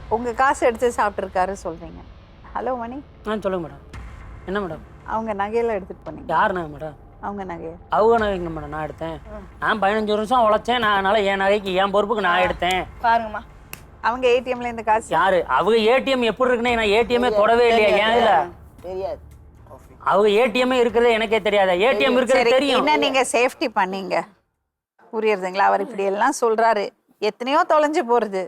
உங்க காசு எடுத்து சாப்பிட்டுருக்காரு சொல்றீங்க. ஹலோ மணி. சொல்லுங்க மேடம். என்ன மேடம்? அவங்க நகையெல்லாம் எடுத்துட்டு போனீங்க. யார் நகை மேடம்? அவங்க நகையை. அவங்க நகைங்க மேடம் நான் எடுத்தேன். நான் 15 வருஷம் உழைச்சேன். நான் அதனால என் நகைக்கு என் பொறுப்புக்கு நான் எடுத்தேன். பாருங்கம்மா. அவங்க ஏடிஎம்ல இந்த காசு யாரு? அவங்க ஏடிஎம் எப்படி இருக்குன்னு நான் ஏடிஎம்மே தொடவே இல்லையா? ஏன் இல்ல தெரியாது. அவங்க ஏடிஎம்மே இருக்கிறது எனக்கே தெரியாதா? ஏடிஎம் இருக்கிறது தெரியும். என்ன நீங்க சேஃப்டி பண்ணீங்க புரியுறதுங்களா? அவர் இப்படி எல்லாம் சொல்றாரு, எத்தனையோ தொலைஞ்சு போறது,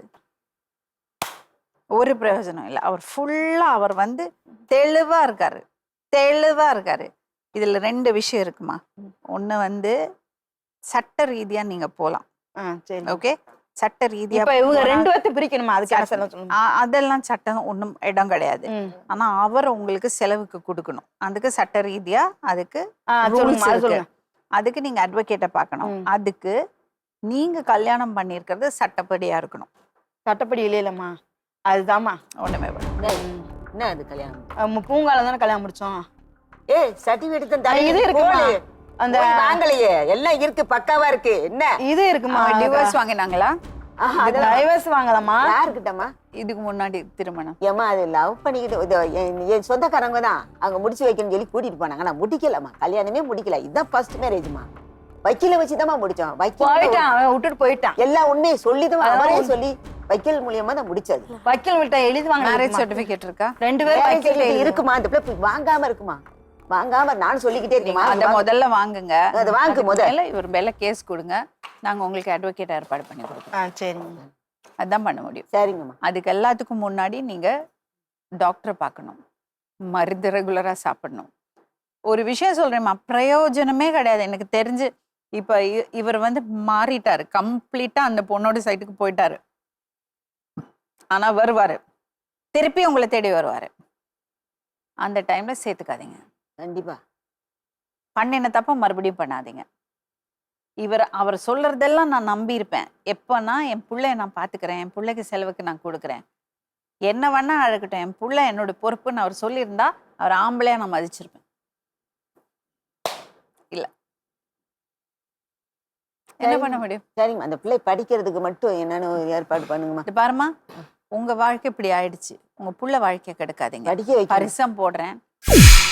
ஒரு பிரயோஜனம் இல்லை. அவர் ஃபுல்லா அவர் வந்து தெளிவா இருக்காரு, தெளிவா இருக்காரு. இதுல 2 விஷயம் இருக்குமா. ஒண்ணு வந்து சட்ட ரீதியா நீங்க போலாம். சரி. ஓகே, சட்ட ரீதியா இப்ப இவங்க 2 பேர்த்து பிரிக்கணுமா? அதுக்கு என்ன சொல்லுங்க. அதெல்லாம் சட்டம் ஒண்ணும் இடம் கிடையாது. ஆனா அவர் உங்களுக்கு செலவுக்கு கொடுக்கணும். அதுக்கு சட்ட ரீதியா அதுக்கு rules இருக்கு. அதுக்கு நீங்க அட்வொகேட்டை பார்க்கணும். அதுக்கு நீங்க கல்யாணம் பண்ணியிருக்கிறது சட்டப்படியா இருக்கணும். சட்டப்படி இல்லையம்மா, அதுதாம்மா ஒண்ணுமே என்ன அது கல்யாணம்? பூங்கால தானே கல்யாணம் முடிச்சோம். ஏய் சர்டிபிகேட் தான் இது இருக்குமா? அந்த வாங்கலையே, எல்லாம் இருக்கு, பக்காவா இருக்கு. என்ன இது இருக்குமா? டிவோர்ஸ் வாங்கினாங்களா? டைவர்ஸ் வாங்கலாமா? யாருக்கிட்டமா? இதுக்கு முன்னாடி திருமணம். ஏமா அது லவ் பண்ணிக்கிட்டு என் சொந்தக்காரங்க தான் அங்க முடிச்சு வைக்கணும்னு சொல்லி கூட்டிட்டு போனாங்க. நான் முடிக்கலம்மா, கல்யாணமே முடிக்கல. இதுதான் ஃபர்ஸ்ட் மேரேஜ்மா. வக்கீல வச்சுதாம்மா முடிச்சோம். போயிட்டான், விட்டுட்டு போயிட்டான். எல்லா உண்மையை சொல்லிதான் அவரே சொல்லி வக்கீல் மூலியமா தான் முடிச்சது. வக்கீல் கிட்ட எழுதி வாங்க. மேரேஜ் சர்டிபிகேட் இருக்கா? 2 பேரும் இருக்குமா? அந்த பிள்ளை வாங்காம இருக்குமா? வாங்காம நான் சொல்லிக்கிட்டே இருக்கேன். அத முதல்ல வாங்குங்க. அது வாங்கு முதல்ல. இவர் மேல கேஸ் கொடுங்க, நாங்க உங்களுக்கு அட்வொகேட் ஏற்பாடு பண்ணி கொடுப்போம். சரிங்க, அதான் பண்ண முடியும். சரிங்கம்மா. அதுக்கு எல்லாத்துக்கும் முன்னாடி நீங்க டாக்டரை பார்க்கணும், மருந்து ரெகுலரா சாப்பிடணும். ஒரு விஷயம் சொல்றேம்மா, பிரயோஜனமே கிடையாது எனக்கு தெரிஞ்சு. இப்ப இவர் வந்து மாறிட்டாரு கம்ப்ளீட்டா, அந்த பொண்ணோட சைட்டுக்கு போயிட்டாரு. ஆனா வருவாரு, திருப்பி உங்களை தேடி வருவாரு. அந்த டைம்ல சேர்த்துக்காதீங்க. கண்டிப்பா பண்ணின தப்ப மறுபடியும் பண்ணாதீங்க. அவர் சொல்றதெல்லாம் நான் நம்பி இருப்பேன். எப்பன்னா என் பிள்ளைய நான் பாத்துக்கிறேன், என் பிள்ளைக்கு செலவுக்கு நான் கொடுக்குறேன், என்ன வேணா அழகட்டும், என் பிள்ளை என்னோட பொறுப்புன்னு அவர் சொல்லியிருந்தா அவர் ஆம்பளையா நான் மதிச்சிருப்பேன். இல்ல, என்ன பண்ண முடியும்? சரிங்க, அந்த பிள்ளை படிக்கிறதுக்கு மட்டும் என்னன்னு ஏற்பாடு பண்ணுங்கம்மா. இது பாருமா, உங்க வாழ்க்கை இப்படி ஆயிடுச்சு, உங்க புள்ள வாழ்க்கையை கெடுக்காதீங்க. படிக்க வைக்க பரிசம் போடுறேன்.